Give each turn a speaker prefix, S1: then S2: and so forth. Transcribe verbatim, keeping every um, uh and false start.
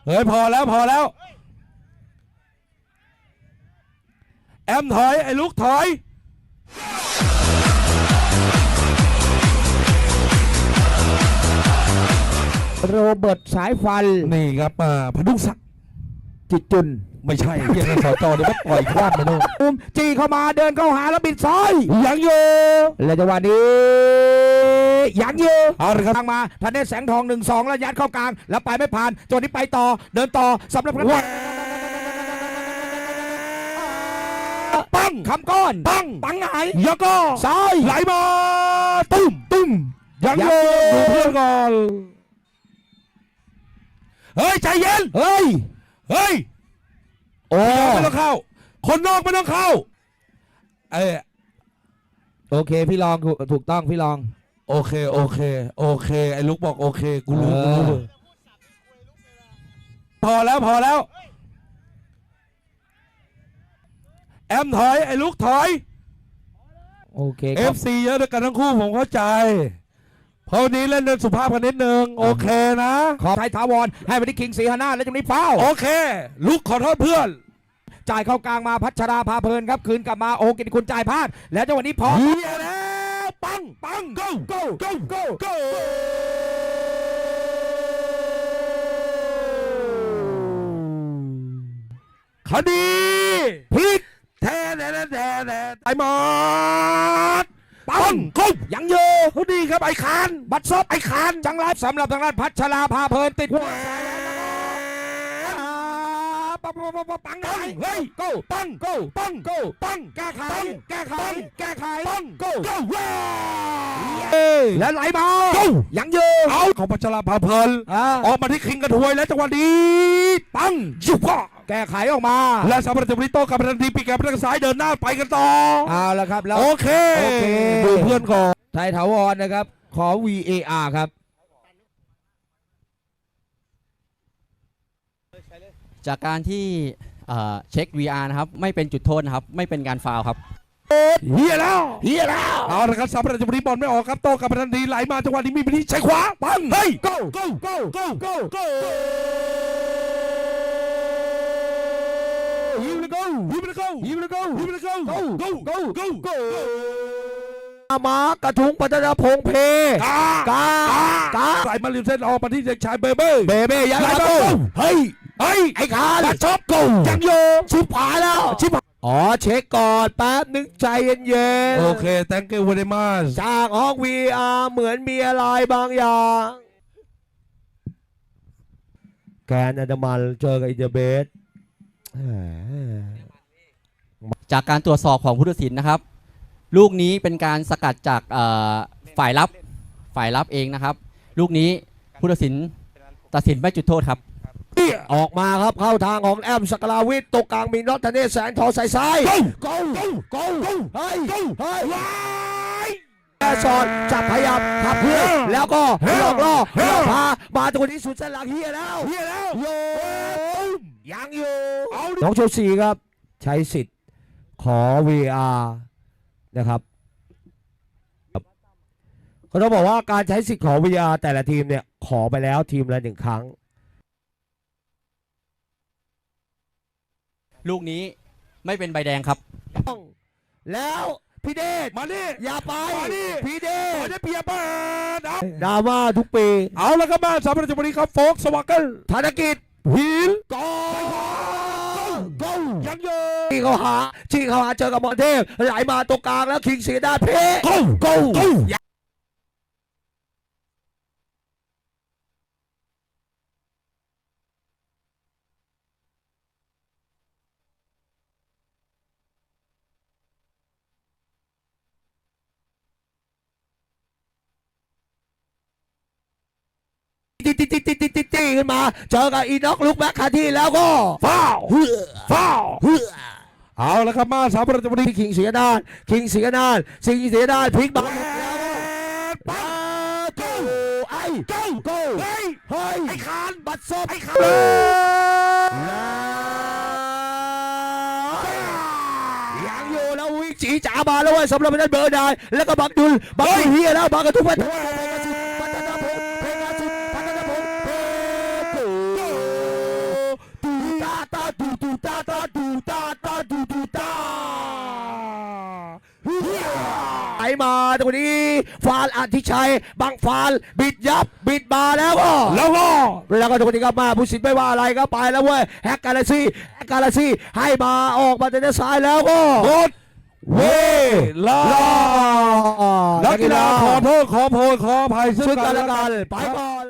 S1: เฮ้ยพอแล้วพอแล้วแอมถอยไอ้ลูกถอย
S2: โรเบิร์ตสายฟัน
S1: นี่ครับมาพดุงศักดิ์
S2: จิตจุน
S1: ไม่ใช่เฮียนั่นสจเดี๋ยวมันปล่อยคว้าไปโน่น
S2: อุ้มจี้เข้ามาเดินเข้าหาแล้วบิดซ้าย
S1: ยังอยู่
S2: และจังหวะนี้ยังอยู่
S1: เอาเลยครับ
S2: ทางมาทันได้แสงทองหนึ่งสองแล้วยัดเข้ากลางแล้วไปไม่ผ่านจนนี้ไปต่อเดินต่อสำหรับนักปังคำก้อนปังปังไหนยกก็ซ้าย
S1: ไหลมาตุ้มตุ้มยังอยู่ดูเพื่อนก่อนเฮ้ยใจเย็น
S2: เฮ้ย
S1: เฮ้ย
S2: โอ้
S1: ไม่ต้องเข้าคนนอกไม่ต้องเข้าเออ
S2: โอเคพี่ลองถูกต้องพี่ลอง
S1: โอเคโอเคโอเคไอ้ลูกบอกโอเคกูรู้กูรู้พอแล้วพอแล้วแอมถอยไอ้ลูกถอย
S2: โอเค
S1: เอฟซีเยอะด้วยกันทั้งคู่ผมเข้าใจเพราะนี้เล่นเดินสุภาพกันนิดนึงโอเคนะ
S2: ขอไทยถาวรให้ไปที่คิงสีหน้าแล้วจังนี้เฝ้า
S1: โอเคลูกขอโทษเพื่อน
S2: จ่ายเข้ากลางมาพัชราพาเพลินครับคืนกลับมาโอกินคุณจ่ายพลาดแล้วจังหวะนี้พอ
S1: เฮียแล้วปังปัง go go go go go คดีพลิกแท้แท้แท้แท้ไอ้หมดปังกุ้งยังเยอะเขาดีครับไอ้คานบัดซบไอ้คาน
S2: จังไรสำหรับทางด้านพัชราพาเพลินติดปังไง
S1: เฮ้ย
S2: go ปัง go ปัง go ปังแก้ไขแก้ไขแก้ไข
S1: ปัง
S2: go
S1: go
S2: และไหลมายังเยอะ
S1: เอาของพัชราพาเพลินออกมาที่คิงกระถวยแล้วจังหวะนี้ปังยุบก็
S2: แก้ไขออกมา
S1: และสำหรับจังหวะนี้โต้กับทันทีปีกแกไปทางซ้ายเดินหน้าไปกันต่อ
S2: เอาละครับแล้ว
S1: โอเคโอเคดูเพื่อนก่อน
S2: ไทยถาวรนะครับขอ วี เอ อาร์ ครับ
S3: จากการที่เช็ค วี อาร์ นะครับไม่เป็นจุดโทษนะครับไม่เป็นการฟาวล์ครับ
S1: เฮียแล้วเฮียแล้วเอาละครับสำหรับจังหวะนี้บอลไม่ออกครับโต้กับทันทีไหลมาจังหวะนี้มีพิธีใช้ขวาปังเฮ้ย go go go go go go
S2: ฮิวเลย go
S1: ฮิวเลย go
S2: ฮิวเลย go
S1: ฮิวเลย go
S2: go
S1: go
S2: go
S1: go go
S2: มากระทุงปัตตาพงเพ
S1: กากากาใส่มาริมเส้นออกมาที่เด็กชายเบเบ้
S2: เบเบ้ยังไง
S1: เฮ้ยเฮ้ย
S2: ไอ้ขา
S1: บัดชอบกู
S2: ยังโยชิบหายแล้วชิบอ๋อเช็คก่อนแป๊บนึงใจเย็น
S1: ๆโอเค thank you very much
S2: จากห้อง วี อาร์ เหมือนมีอะไรบางอย่างแกนอันดามันเจอกับอินเตอร์เบส
S3: จากการตรวจสอบของผู้ตัดสินนะครับลูกนี้เป็นการสกัดจากฝ่ายรับฝ่ายรับเองนะครับลูกนี้ผู้ตัดสินตัดสินไม่จุดโทษครับ
S2: ออกมาครับเข้าทางของแอมสกลาวิทตกกลางมีน็อตทเนศแสงทองใส่ซ้าย
S1: go go go
S2: เฮ้ยเฮ้ยแอร์ซอนจับพยายามขับเพื่อนแล้วก็หลอกล่อหลอกพามาตรงนี้สุดเส้นหลังเฮียแล้ว
S1: เฮียแล้ว
S2: โยยังอยู่น้องโชซีครับใช้สิทธิ์ขอ วี อาร์ นะครับเขาต้องบอกว่าการใช้สิทธิ์ขอ วี อาร์ แต่ละทีมเนี่ยขอไปแล้วทีมละหนึ่งครั้ง
S3: ลูกนี้ไม่เป็นใบแดงครับ
S2: แล้วพี่เดช
S1: มาดิ
S2: อย่าไปพี่เดช
S1: มาดิเปียบ้าน
S2: ดราม่าทุกปี
S1: เอาแล้วก็มาสำหรับจังหวะนี้ครับโฟกสวัสดิ์
S2: ธนกิจ
S1: หิน
S2: กอ
S1: go ยังเยอะ
S2: ที่เขาหาที่เขาหาเจอกับมอนเทพไหลมาตรงกลางแล้วคิงเสียดาเพ
S1: go go go
S2: ตีตีตีตีตีตีตีขึ้นมาเจอกับอีน็อกลุกแบ็คคาที่แล้วก็
S1: ฟ้าวฟ้าวเอาแล้วครับมาสามประตูนี้
S2: คิงเสียด้านคิงเสียด้านสิงเสียด้านพลิกบอล
S1: ป้าโก้
S2: ไอ้
S1: โก้
S2: โก้
S1: เฮ้ย
S2: เฮ้ย
S1: ไอ้คาน
S2: บัดซบ
S1: ไอ้คาน
S2: ยังอยู่แล้ววิ่งจีจ๋ามาแล้วเว้ยสำหรับนักเบอร์ได้แล้วก็บักดุลบักดุลเฮียแล้วบักกระทุกพันพัฒนาพงพัฒนาพงพัฒนาพง
S1: เอาละครับมาสำหรับจังหวะนี้คิงเสียด้านคิงเสียด้านสิงเสียด้านพลิกมาโก้โก้โก้เฮ้ยเฮ้ยไอ้คานบัดซบไอ้คานเฮ้ยยังอยู่เอาดิ
S2: ยังอยู่แล้ววิ่งจีจ๋ามาแล้วเว้ยสำหรับนักเบอร์ได้แล้วก็บักดุลบักกระทุกพันไอมาตรงนี้ฟาลอธิชัยบังฟาลบิดยับบิดมาแล้วก็
S1: แล้วก็
S2: แล้วก็ตรงนี้ก็มาผู้สินไม่ว่าอะไรก็ไปแล้วเว้ยแฮกกาแล็กซี่แฮกกาแล็กซี่ให้มาออกมาด้านซ้ายแล้วก็
S1: หมดเวลานักกีฬาขอโทษขอโพยขออภัยซึ่
S2: ซึ่
S1: ง
S2: ง
S1: กั
S2: กัน น
S1: และ
S2: และ
S1: กั
S2: กัน นไปก่อน